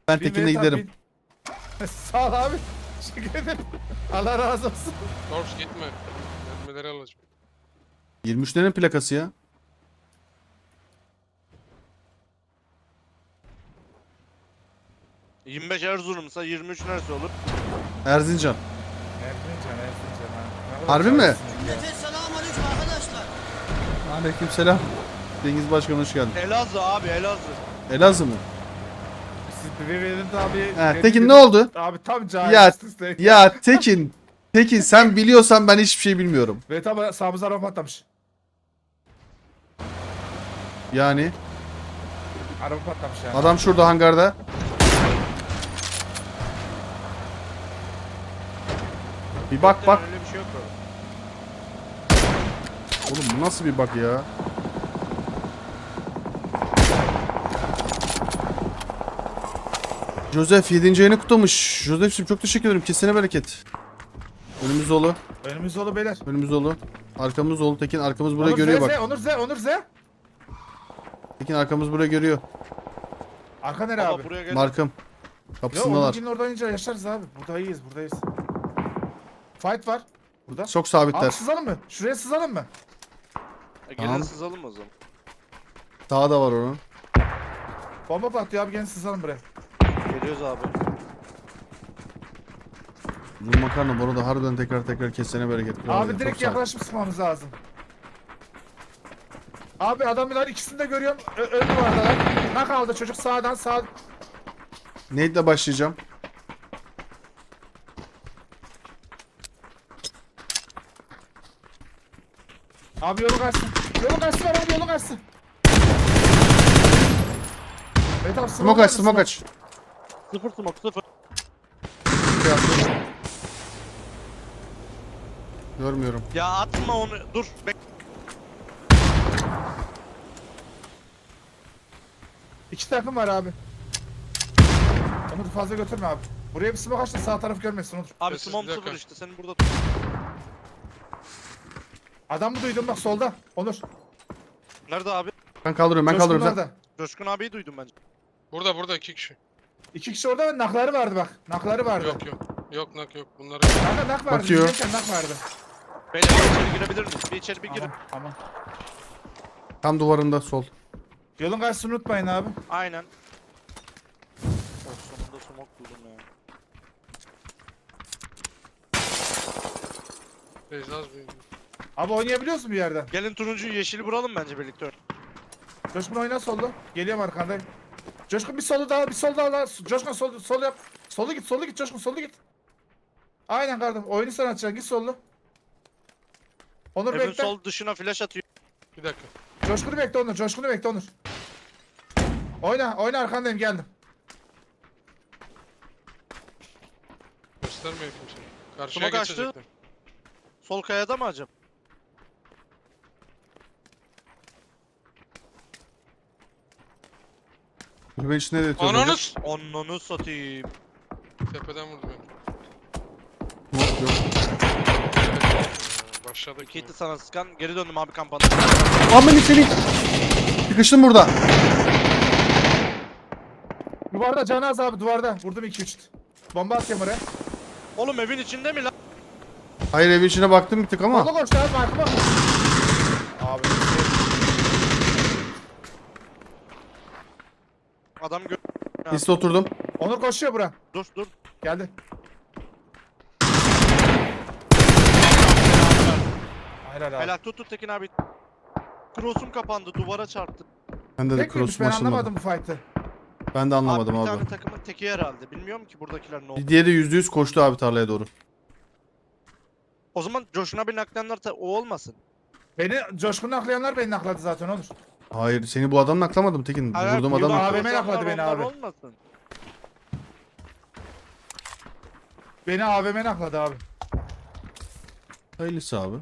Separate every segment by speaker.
Speaker 1: Ben
Speaker 2: Bin
Speaker 1: Tekin'le
Speaker 2: Vedat,
Speaker 1: giderim.
Speaker 2: bin. Sağ ol abi. Teşekkür ederim. Allah razı olsun.
Speaker 3: Korps gitme. Mermileri alacağım.
Speaker 1: 23'lerin plakası ya.
Speaker 4: Hı. 25 Erzurum'sa 23 neresi olur?
Speaker 1: Erzincan.
Speaker 2: Erzincan, Erzincan ha. Ne kadar
Speaker 1: Harbi mi?
Speaker 2: çağırsın ya.
Speaker 5: Millete selamünaleyküm arkadaşlar.
Speaker 1: Aleykümselam. Cengiz Başkan hoş geldin.
Speaker 4: Elazığ abi Elazığ.
Speaker 1: Elazığ mı?
Speaker 2: Siz bir Vedat abi.
Speaker 1: Tekin ne oldu?
Speaker 2: Abi tam
Speaker 1: Ya,
Speaker 2: cahil.
Speaker 1: ya Tekin sen biliyorsan ben hiçbir şey bilmiyorum.
Speaker 2: Vedat abi sağımıza araba patlamış.
Speaker 1: Yani
Speaker 2: Araba patlamış yani.
Speaker 1: adam şurada hangarda. Bir bak bak.
Speaker 4: Öyle bir şey yok mu?
Speaker 1: Oğlum bu nasıl bir bak ya? Joseph 7. ayını kutlamış. Joseph'cim çok teşekkür ederim. Kesene bereket. Önümüz dolu.
Speaker 2: Önümüz dolu beyler.
Speaker 1: Önümüz dolu. Arkamız dolu. Tekin arkamız buraya
Speaker 2: Onur
Speaker 1: görüyor
Speaker 2: Z,
Speaker 1: bak.
Speaker 2: Onur Z.
Speaker 1: Tekin arkamız buraya görüyor.
Speaker 2: Arka nere
Speaker 4: Baba
Speaker 2: abi?
Speaker 4: buraya gel.
Speaker 1: Markım.
Speaker 2: Ya
Speaker 1: Kapısındalar.
Speaker 2: Onur'un orada oynayınca yaşarız abi. Buradayız. Fight var. Burada.
Speaker 1: Çok
Speaker 2: Abi
Speaker 1: sabitler.
Speaker 2: sızalım mı? Şuraya sızalım mı?
Speaker 4: Gelin
Speaker 1: Tamam.
Speaker 4: sızalım o zaman.
Speaker 1: Daha da var onun.
Speaker 2: Bomba patlıyor abi gelin sızalım buraya.
Speaker 4: Geliyoruz abi.
Speaker 1: Bu makarna bu arada harbiden tekrar kesene bereket. Kral
Speaker 2: Abi
Speaker 1: ya,
Speaker 2: direkt
Speaker 1: çok sağ ol.
Speaker 2: yaklaşıp sıkmamız lazım. Abi adamlar ikisini de görüyorum. Ön duvardalar. Ne kaldı çocuk sağdan sağ.
Speaker 1: Nade'le başlayacağım.
Speaker 2: Abi yolu kaçsın. Yolu kaçsın abi yolu kaçsın. Evet abi
Speaker 1: Smoke aç, smoke aç.
Speaker 4: Sıfır smoke sıfır.
Speaker 1: Görmüyorum.
Speaker 4: Ya atma onu. Dur.
Speaker 2: İki takım var abi. Onu fazla götürme abi. Buraya bir smoke aç da sağ taraf görmesin Onur.
Speaker 4: Abi
Speaker 3: Sessiz
Speaker 4: smoke
Speaker 3: bir dakika.
Speaker 4: sıfır işte. Senin burada tut.
Speaker 2: Adamı duydum bak solda. Onur.
Speaker 4: Nerede abi?
Speaker 1: Ben kaldırıyorum ben
Speaker 2: Coşkun
Speaker 1: kaldırıyorum. Sen...
Speaker 2: orada.
Speaker 4: Coşkun abiyi duydum bence.
Speaker 3: Burada 2 kişi.
Speaker 2: İki kişi orada ve nakları vardı bak. Nakları vardı.
Speaker 3: Yok. Yok nak yok. Bunları
Speaker 2: Kanka nak vardı.
Speaker 1: Bakıyor.
Speaker 2: Bizimken nak vardı.
Speaker 4: Beyler içeri girebilir miyiz? Bir içeri bir girin.
Speaker 2: Tamam.
Speaker 1: Tam duvarında sol.
Speaker 2: Yolun karşısını unutmayın abi.
Speaker 4: Aynen. Oh, sonunda smoke buldum ya.
Speaker 3: Beyzaz bir.
Speaker 2: Abi oynayabiliyoruz mu bir yerden?
Speaker 4: Gelin turuncuyu yeşili vuralım bence birlikte.
Speaker 2: Coşkun oyna solda. Geliyorum arkandayım. Coşkun bir solu daha, bir sol daha. Coşkun sol yap. Solu git Coşkun solu git. Aynen kardeşim. Oyunu sen açacaksın. Git sollu. Onur
Speaker 4: Evin
Speaker 2: bekle.
Speaker 4: sol dışına flash atıyor.
Speaker 3: Bir dakika.
Speaker 2: Coşkun'u bekle Onur. Coşkun'u bekle Onur. Oyna arkandayım geldim.
Speaker 3: Göstermiyor kimse. Karşıya
Speaker 4: Smoke açtı.
Speaker 3: geçecekler.
Speaker 4: Sol kayada mı acaba?
Speaker 1: Kulübenin içinde de yatıyor.
Speaker 3: Ananız!
Speaker 4: Onunu satayım.
Speaker 3: Tepeden vurdu beni.
Speaker 1: Smoke yok.
Speaker 3: Başladık.
Speaker 4: Kitty sana sıkan. Geri döndüm abi kampana.
Speaker 1: Aman içeri. Sıkıştım burada.
Speaker 2: Duvarda Canaz abi duvarda. Vurdum 2-3. Bomba atayım oraya.
Speaker 4: Oğlum evin içinde mi lan?
Speaker 1: Hayır evin içine baktım bir tık ama.
Speaker 2: Sola koştu abi markıma. Abi.
Speaker 4: Adam gör...
Speaker 1: Liste oturdum.
Speaker 2: Onur koşuyor bura.
Speaker 4: Dur.
Speaker 2: Geldi. Helal abi.
Speaker 4: Helal tut Tekin abi. Cross'um kapandı. Duvara çarptı.
Speaker 1: Bende de
Speaker 2: Tek miymiş
Speaker 1: cross'um
Speaker 2: ben
Speaker 1: açılmadı.
Speaker 2: anlamadım bu fight'ı.
Speaker 1: Ben de anlamadım
Speaker 4: Bir
Speaker 1: abi.
Speaker 4: tane takımın teki herhalde. Bilmiyorum ki buradakiler ne oldu.
Speaker 1: Diğeri %100 koştu abi tarlaya doğru.
Speaker 4: O zaman Coşkun abi naklenler o olmasın.
Speaker 2: Beni Coşkun'u aklayanlar beni akladı zaten Onur.
Speaker 1: Hayır seni bu adamla aklamadım Tekin.
Speaker 4: Hayır,
Speaker 1: Vurduğum
Speaker 4: burada
Speaker 1: adam.
Speaker 2: AVM
Speaker 4: korsanlar
Speaker 2: yakladı beni
Speaker 4: onlar
Speaker 2: abi.
Speaker 4: Olmasın.
Speaker 2: Beni AVM akladı abi.
Speaker 1: Hayırlısı abi.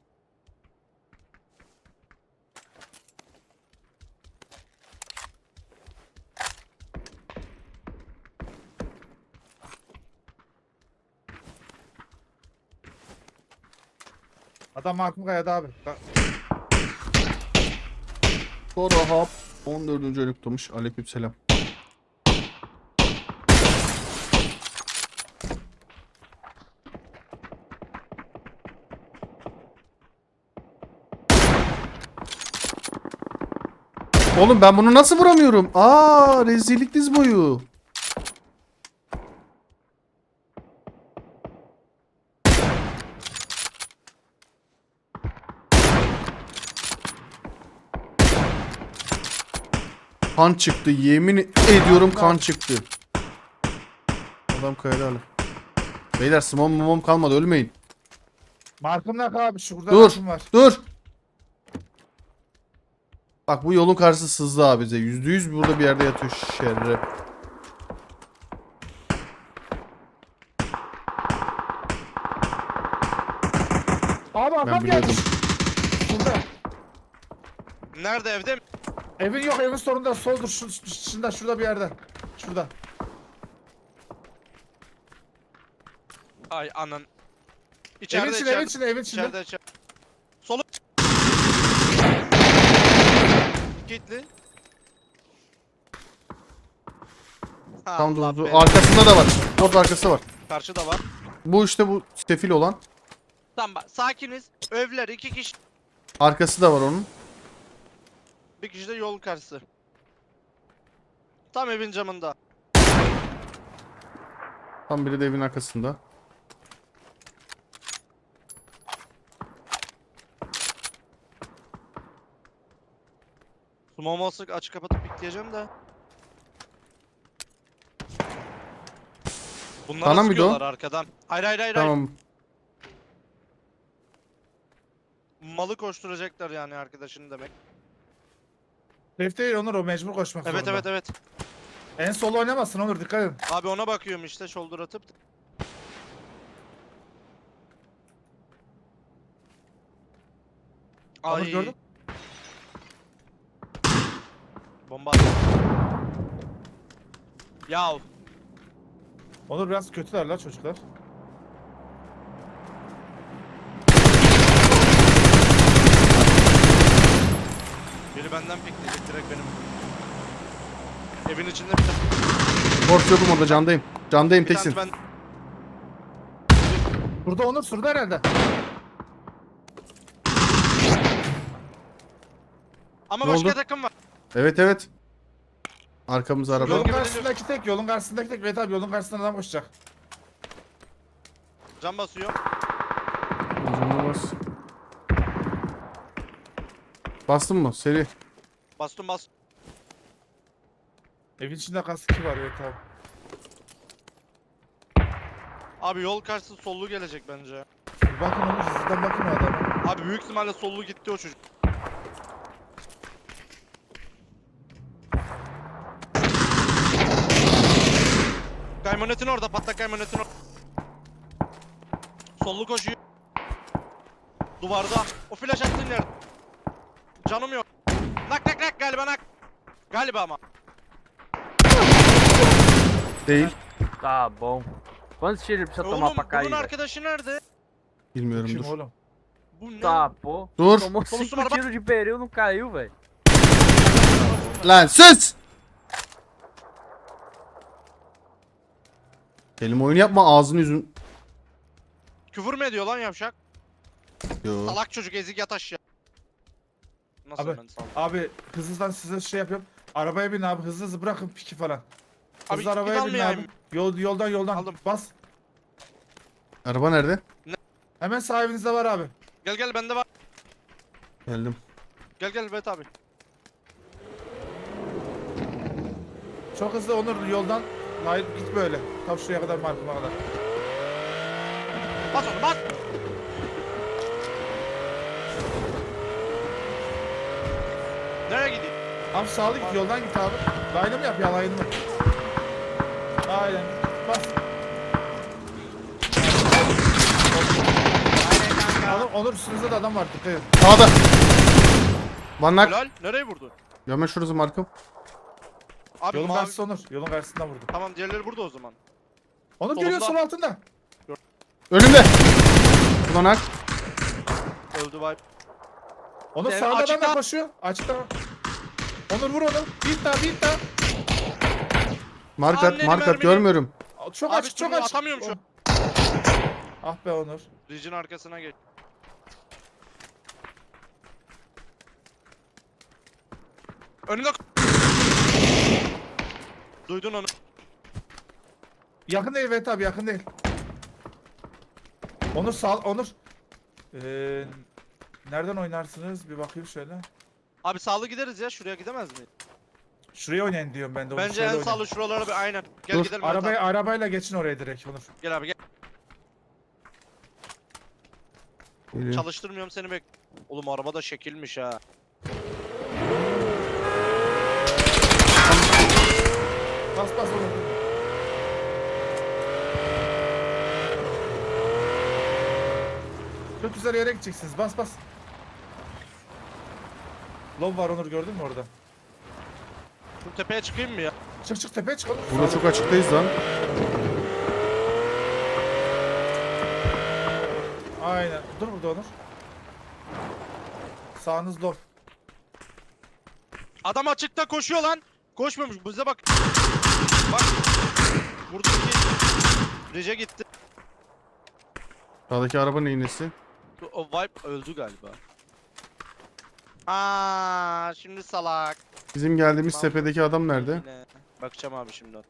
Speaker 2: Adam markım kayada abi.
Speaker 1: Sonra hap 14. ayını kutlamış. Aleykümselam. Oğlum ben bunu nasıl vuramıyorum? Aa, rezillik diz boyu. Kan çıktı. Yemin ediyorum kan çıktı. Adam kaydı hala. Beyler smom kalmadı, ölmeyin.
Speaker 2: Markım ne abi? Şurada
Speaker 1: Dur.
Speaker 2: markım var.
Speaker 1: Dur. Bak bu yolun karşısı sızdı abi bize. %100 burada bir yerde yatıyor şerre.
Speaker 2: Abi
Speaker 1: Ben
Speaker 2: adam
Speaker 1: biliyordum.
Speaker 2: gelmiş. Burada.
Speaker 4: Nerede, evde mi?
Speaker 2: Evin yok, evin sonunda soldur. Şurada bir yerde. Şurada.
Speaker 4: Ay anan.
Speaker 2: Evin
Speaker 4: İçeride,
Speaker 2: içinde, evin içinde, evin içinde.
Speaker 4: İçeride. Solu. Kilitli.
Speaker 1: Tam
Speaker 4: Allah
Speaker 1: durdu.
Speaker 4: belanı.
Speaker 1: Arkasında da var. Bot arkası var.
Speaker 4: Karşıda var.
Speaker 1: Bu işte bu sefil olan.
Speaker 4: Tamam bak, sakiniz. Övler 2 kişi.
Speaker 1: Arkası da var onun.
Speaker 4: Bir kişi de yol karşısı. Tam evin camında.
Speaker 1: Tam biri de evin arkasında.
Speaker 4: Smoke olsak açık kapatıp pikleyeceğim de. Bunlara
Speaker 1: Sana mıydı o?
Speaker 4: sıkıyorlar arkadan. Hayır hayır hayır. hayır.
Speaker 1: Tamam.
Speaker 4: Malı koşturacaklar yani arkadaşını demek.
Speaker 2: Safe değil Onur, o mecbur koşmak
Speaker 4: Evet
Speaker 2: zorunda.
Speaker 4: evet evet.
Speaker 2: En sol oynamazsın Onur, dikkat edin.
Speaker 4: Abi ona bakıyorum işte, shoulder atıp.
Speaker 2: Onur
Speaker 4: Ay.
Speaker 2: gördün?
Speaker 4: Bomba attı. Yav.
Speaker 2: Onur biraz kötüler la çocuklar.
Speaker 4: Biri benden pikleyecek direkt benim. Evin içinde bir tane.
Speaker 1: Borç yokum orada, candayım. Candayım,
Speaker 4: Bir
Speaker 1: teksin.
Speaker 4: tane ben.
Speaker 2: Burada Onur, şurada herhalde.
Speaker 4: Ama
Speaker 1: Ne
Speaker 4: başka
Speaker 1: oldu?
Speaker 4: takım var.
Speaker 1: Evet evet. Arkamız araba.
Speaker 2: Yolun
Speaker 4: Yok.
Speaker 2: karşısındaki tek, yolun karşısındaki tek. Evet abi, yolun karşısından adam koşacak.
Speaker 4: Can basıyor.
Speaker 1: Canına bas. Bastın mı? Seri.
Speaker 4: Bastım bas.
Speaker 2: Evin içinde kaskı var, evet abi.
Speaker 4: Abi yol karşısı sollu gelecek bence.
Speaker 2: Bir bakın Onur, sizden bakın o adama.
Speaker 4: Abi büyük ihtimalle sollu gitti o çocuk. Kaymonetin orada, patlak kaymonetin orada. Sollu koşuyor. Duvarda. O flash attığın yer. Canım yok. Nak galiba nak. Galiba ama.
Speaker 1: Değil.
Speaker 6: Tá bom. Quantos tiros ele precisa tomar
Speaker 4: Oğlum
Speaker 6: pra cair?
Speaker 4: bunun
Speaker 6: velho?
Speaker 4: arkadaşı nerede?
Speaker 1: Bilmiyorum,
Speaker 2: Kim
Speaker 1: dur.
Speaker 2: oğlum?
Speaker 4: Bu ne?
Speaker 6: Tá, pô.
Speaker 1: Dur.
Speaker 6: Tomou
Speaker 4: Vamos
Speaker 6: 5
Speaker 4: tomar-
Speaker 6: tiros de pneu, não caiu, velho.
Speaker 1: Lan sus! Kelime oyunu yapma, ağzını yüzün.
Speaker 4: Küfür mü ediyor lan yavşak?
Speaker 1: Yo.
Speaker 4: Salak çocuk, ezik yat aşağı. Nasıl
Speaker 2: Abi,
Speaker 4: ben salak?
Speaker 2: Abi hızlıdan size şey yapıyorum. Arabaya bin abi, hızlı hızlı bırakın piki falan.
Speaker 4: Abi
Speaker 2: Hızlı arabaya bin
Speaker 4: almayayım.
Speaker 2: abi. Yoldan
Speaker 4: Aldım.
Speaker 2: bas.
Speaker 1: Araba nerede?
Speaker 2: Hemen sahibinizde var abi.
Speaker 4: Gel bende var.
Speaker 1: Geldim.
Speaker 4: Gel Bet abi.
Speaker 2: Çok hızlı Onur, yoldan. Hayır, git böyle. Tam şuraya kadar, markıma kadar.
Speaker 4: Bas onu bas. Nereye gideyim?
Speaker 2: Abi sağlı git, yoldan git abi. Line'ı mı yap ya, line'ı mı? Aynen. Bas. Onur üstünüzde de adam var, dikkat edin.
Speaker 1: Sağda. Vanak.
Speaker 4: Helal. Nereye vurdu?
Speaker 1: Hemen şurası markım.
Speaker 4: Abi
Speaker 2: Yolun
Speaker 4: mavi.
Speaker 2: karşısı Onur. Yolun karşısından vurdu.
Speaker 4: Tamam, diğerleri burada o zaman.
Speaker 2: Onur
Speaker 4: Solunda.
Speaker 2: görüyor, sol altında.
Speaker 1: Önümde. Vanak.
Speaker 4: Öldü vibe.
Speaker 2: Onur
Speaker 4: Evet,
Speaker 2: sağda adam
Speaker 4: açıkta.
Speaker 2: da koşuyor. Açıkta. Onur vur onu. Bir daha.
Speaker 1: Markat,
Speaker 4: Anneni
Speaker 1: markat
Speaker 4: mermini-
Speaker 1: görmüyorum.
Speaker 2: Çok
Speaker 4: Abi
Speaker 2: açık, çok
Speaker 4: üstüne
Speaker 2: açık.
Speaker 4: atamıyorum şu an.
Speaker 2: Ah be Onur.
Speaker 4: Ridge'in arkasına geç. Önünde. Duydun onu.
Speaker 2: Yakın değil Vedat abi, yakın değil. Onur sağ Onur. Nereden oynarsınız? Bir bakayım şöyle.
Speaker 4: Abi sağlı gideriz ya. Şuraya gidemez miyiz?
Speaker 2: Şuraya oynayın diyorum ben de. Onur,
Speaker 4: Bence
Speaker 2: şöyle
Speaker 4: en
Speaker 2: oynayın.
Speaker 4: sağlı şuralara bir aynen. Gel
Speaker 1: Dur,
Speaker 4: gidelim. Arabayı...
Speaker 2: Arabayla geçin oraya direkt Onur.
Speaker 4: Gel abi gel.
Speaker 1: Geliyor.
Speaker 4: Çalıştırmıyorum seni bek. Oğlum araba da şekilmiş ha.
Speaker 2: Bas bas Onur. Çok güzel yere gideceksiniz. Bas bas. Lob var Onur, gördün mü orada?
Speaker 4: Şu tepeye çıkayım mı ya?
Speaker 2: Çık çık tepeye çık Onur.
Speaker 1: Burada çok açıktayız lan.
Speaker 2: Aynen. Dur burada Onur. Sağınız lob.
Speaker 4: Adam açıkta koşuyor lan. Koşmuyormuş. Bize bak. Bak. Buradaki Rece gitti.
Speaker 1: Sağdaki arabanın iğnesi.
Speaker 4: O vibe öldü galiba. Aa, şimdi salak.
Speaker 1: Bizim geldiğimiz
Speaker 4: Lan.
Speaker 1: tepedeki adam nerede?
Speaker 4: Yine. Bakacağım abi şimdi.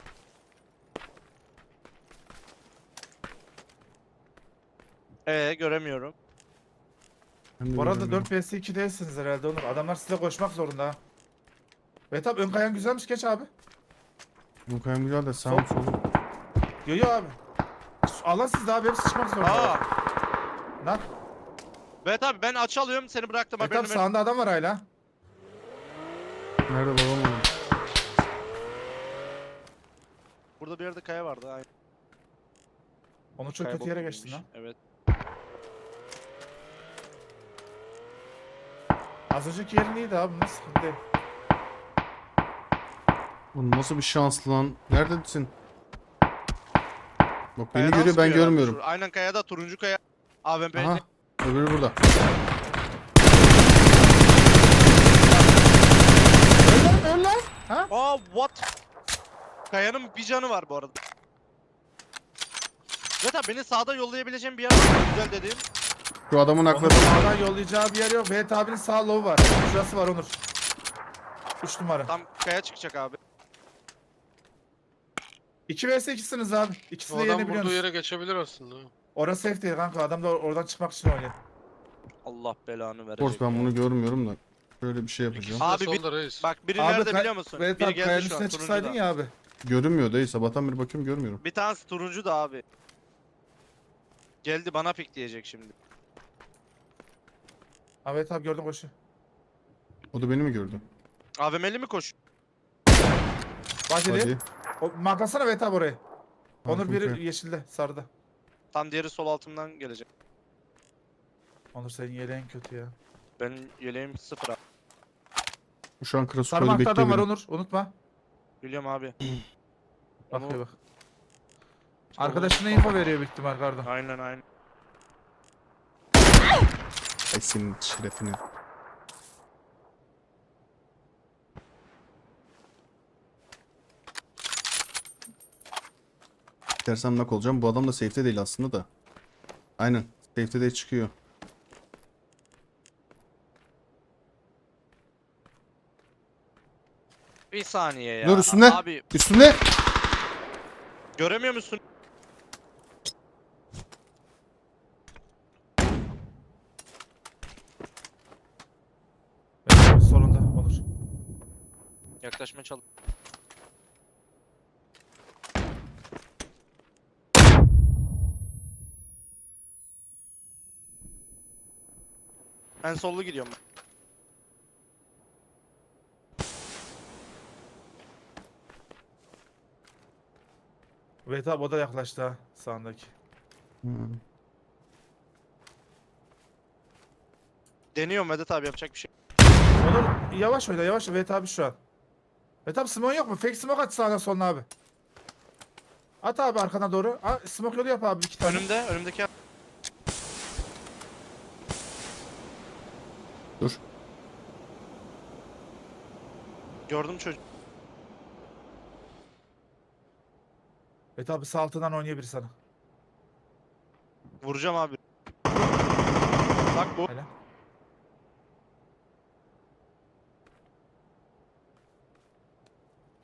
Speaker 4: Göremiyorum.
Speaker 1: Ben de
Speaker 2: Bu arada
Speaker 1: göremiyorum.
Speaker 2: 4 vs 2 değilsiniz herhalde Onur. Adamlar size koşmak zorunda ha. Ve tabi ön kayan güzelmiş, geç abi.
Speaker 1: Bu kayam güzel de sağım
Speaker 2: Sol.
Speaker 1: solum.
Speaker 2: Yo abi. Allah sizde abi, hepsi çıkmak zorunda.
Speaker 4: Aa.
Speaker 2: Lan.
Speaker 4: Evet abi ben aç alıyorum seni bıraktım
Speaker 2: Ve
Speaker 4: haberini
Speaker 2: tabi
Speaker 4: ver.
Speaker 2: sağında adam var hala.
Speaker 1: Nerede babam oğlum?
Speaker 4: Burada bir yerde kaya vardı. Aynen.
Speaker 2: Onu çok
Speaker 4: Kaya
Speaker 2: kötü yere
Speaker 4: bokuymuş.
Speaker 2: geçtin lan.
Speaker 4: Evet.
Speaker 2: Az önceki yerin iyiydi abi, nasıl sıkıntı değil.
Speaker 1: Oğlum nasıl bir şanslı lan? Neredesin? Bak beni
Speaker 4: Kayadan
Speaker 1: görüyor, ben
Speaker 4: sıkıyor herhalde
Speaker 1: görmüyorum.
Speaker 4: şu- Aynen kayada turuncu kaya. AVM.
Speaker 1: Aha. Öbürü burada.
Speaker 2: Öl lan. Ha?
Speaker 4: Aa what? Kayanın bir canı var bu arada. Zaten beni sağda yollayabileceğim bir yer var mı? Güzel dediğim.
Speaker 1: Şu adamın
Speaker 2: Onur
Speaker 1: akladı.
Speaker 2: sağdan yollayacağı bir yer yok. Ve abinin sağ low var. Şurası var Onur. 3 numara.
Speaker 4: Tam kaya çıkacak abi.
Speaker 2: 2 vs 2'siniz abi. İkisi
Speaker 3: O
Speaker 2: de
Speaker 3: adam vurduğu
Speaker 2: yenebiliyorsunuz.
Speaker 3: yere geçebilir aslında.
Speaker 2: Orası safe değil kanka. Adam da oradan çıkmak için oynuyor.
Speaker 4: Allah belanı verecek.
Speaker 1: Force ben bunu görmüyorum da. Böyle bir şey yapacağım.
Speaker 3: İkisi de
Speaker 4: Abi bir-
Speaker 3: solda reis.
Speaker 4: Bak biri
Speaker 2: Abi
Speaker 4: nerede biliyor musun?
Speaker 2: Evet
Speaker 4: Biri
Speaker 2: abi,
Speaker 4: geldi
Speaker 2: kayanın
Speaker 4: şu an
Speaker 2: üstüne çıksaydın
Speaker 4: turuncuda.
Speaker 2: ya abi.
Speaker 1: Görünmüyor değil. Sabahtan beri bakıyorum görmüyorum.
Speaker 4: Bir tanesi turuncu da abi. Geldi bana pik diyecek şimdi.
Speaker 2: Evet abi, gördüm koşu.
Speaker 1: O da beni mi gördü?
Speaker 4: AVM'li mi koş?
Speaker 2: Baceli.
Speaker 1: Hadi.
Speaker 2: O, marklasana evet abi orayı. Onur
Speaker 1: Markım
Speaker 2: biri
Speaker 1: şey.
Speaker 2: yeşilde, sarıda.
Speaker 4: Tam diğeri sol altımdan gelecek.
Speaker 2: Onur senin yeleğin kötü ya.
Speaker 4: Benim yeleğim 0 abi.
Speaker 1: Şu an
Speaker 2: Sarı
Speaker 1: Krasuko'da
Speaker 2: markta adam var
Speaker 1: bekliyor beni.
Speaker 2: Onur, unutma.
Speaker 4: Biliyorum abi.
Speaker 2: Bakıyor bak.
Speaker 4: İşte
Speaker 2: Arkadaşına info veriyor büyük ihtimal kardan.
Speaker 4: Aynen aynen.
Speaker 1: Ay senin şerefine. Dersem nak olacağım. Bu adam da safe'te değil aslında da. Aynen. Safe'te de çıkıyor.
Speaker 4: Bir saniye ya.
Speaker 1: Dur, üstünde.
Speaker 4: Abi
Speaker 1: Üstünde.
Speaker 4: göremiyor musun?
Speaker 2: Evet, solunda Onur.
Speaker 4: Yaklaşmaya çalış. En sollu gidiyorum ben.
Speaker 2: Evet abi, o da yaklaştı ha sağındaki.
Speaker 1: Hmm.
Speaker 4: Deniyorum Vedat abi yapacak bir şey.
Speaker 2: Onur yavaş oyna, yavaş. Evet abi şu an. Evet abi, smoke yok mu? Fake smoke at sağına soluna abi. At abi arkana doğru. Ha, smoke yolu yap abi 2 tane.
Speaker 4: Önümdeki
Speaker 1: Dur.
Speaker 4: gördüm çocuk.
Speaker 2: Evet abi, sağ altından oynayabilir sana.
Speaker 4: Vuracağım abi. Bak bu.
Speaker 2: Hele.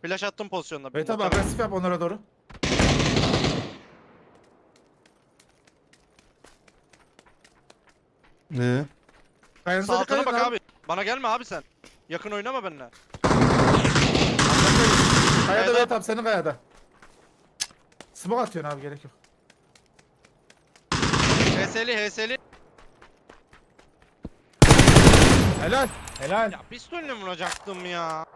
Speaker 4: Flash attım pozisyonda.
Speaker 2: Evet abi agresif yap onlara doğru.
Speaker 1: Ne?
Speaker 2: Kayanıza
Speaker 4: Sağ
Speaker 2: dikkat
Speaker 4: altına
Speaker 2: edin
Speaker 4: bak abi. Bana gelme abi sen. Yakın oynama benimle.
Speaker 2: Kayada
Speaker 4: Evet,
Speaker 2: evet abi senin kayada. Smoke atıyorsun abi gerek yok.
Speaker 4: HS'li.
Speaker 2: Helal. Helal.
Speaker 4: Ya pistolle vuracaktım ya.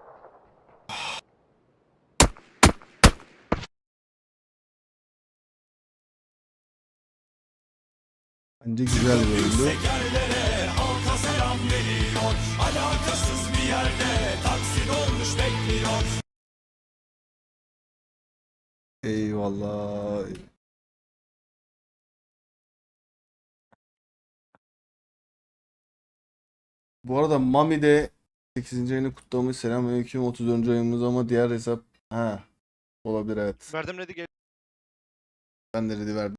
Speaker 1: Bence güzel bir oyundu. Eyvallah. Bu arada Mami de 8. ayını kutlamış. Selamünaleyküm. 34. ayımız ama diğer hesap olabilir evet.
Speaker 4: Verdim ready gel.
Speaker 1: Ben de ready verdim.